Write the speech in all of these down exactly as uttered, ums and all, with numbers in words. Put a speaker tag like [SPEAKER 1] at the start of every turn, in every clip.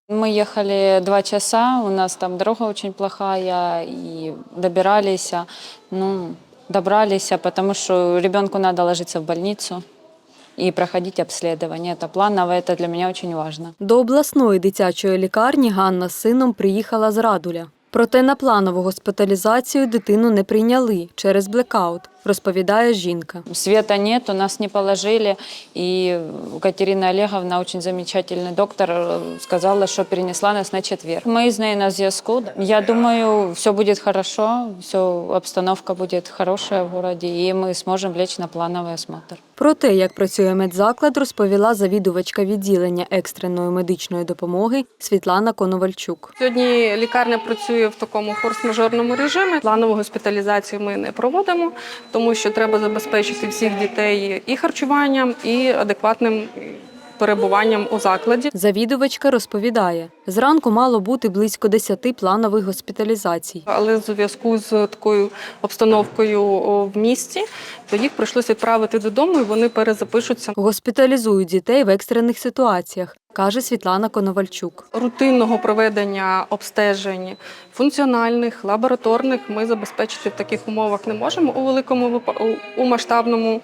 [SPEAKER 1] Мы ехали два часа, у нас там дорога очень плохая, и добирались, ну, добрались, потому что ребенку надо ложиться в больницу і проходити обслідування. Це планово, це для мене дуже важливо.
[SPEAKER 2] До обласної дитячої лікарні Ганна з сином приїхала з Радуля. Проте на планову госпіталізацію дитину не прийняли через блекаут, розповідає жінка.
[SPEAKER 1] Света нет, нас не положили, и Катерина Олеговна, очень замечательный доктор, сказала, что перенесла нас на четверг. Мы з нею на зв'язку. Я думаю, все будет хорошо, все, обстановка будет хорошая в городе, и мы сможем лечь на плановый осмотр.
[SPEAKER 2] Про те, як працює медзаклад, розповіла завідувачка відділення екстреної медичної допомоги Світлана Коновальчук.
[SPEAKER 3] Сьогодні лікарня працює в такому форс-мажорному режимі. Планову госпіталізацію ми не проводимо, тому що треба забезпечити всіх дітей і харчуванням, і адекватним перебуванням у закладі.
[SPEAKER 2] Завідувачка розповідає, зранку мало бути близько десяти планових госпіталізацій.
[SPEAKER 3] Але в зв'язку з такою обстановкою в місті, то їх прийшлося відправити додому, і вони перезапишуться.
[SPEAKER 2] Госпіталізують дітей в екстрених ситуаціях, каже Світлана Коновальчук.
[SPEAKER 3] Рутинного проведення обстежень функціональних, лабораторних ми забезпечити в таких умовах не можемо у великому, у масштабному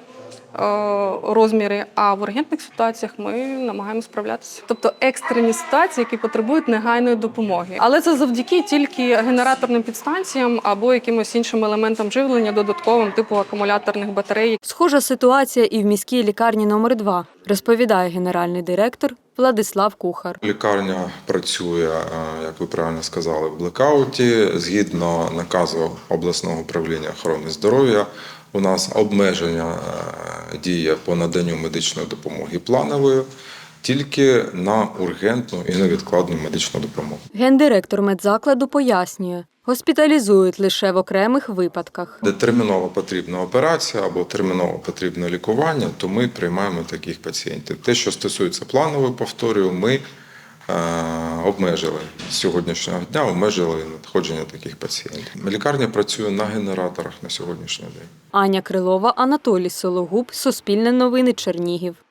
[SPEAKER 3] розмірі, а в ургентних ситуаціях ми намагаємося справлятися. Тобто екстрені ситуації, які потребують негайної допомоги. Але це завдяки тільки генераторним підстанціям або якимось іншим елементам живлення додатковим, типу акумуляторних батарей.
[SPEAKER 2] Схожа ситуація і в міській лікарні номер два, розповідає генеральний директор Владислав Кухар.
[SPEAKER 4] Лікарня працює, як ви правильно сказали, в блекауті. Згідно наказу обласного управління охорони здоров'я, у нас обмеження діє по наданню медичної допомоги планової тільки на ургентну і невідкладну медичну допомогу.
[SPEAKER 2] Гендиректор медзакладу пояснює, госпіталізують лише в окремих випадках.
[SPEAKER 4] Де терміново потрібна операція або терміново потрібне лікування, то ми приймаємо таких пацієнтів. Те, що стосується планової, повторюю, ми обмежили з сьогоднішнього дня, обмежили надходження таких пацієнтів. Лікарня працює на генераторах на сьогоднішній день.
[SPEAKER 2] Аня Крилова, Анатолій Сологуб, Суспільне новини, Чернігів.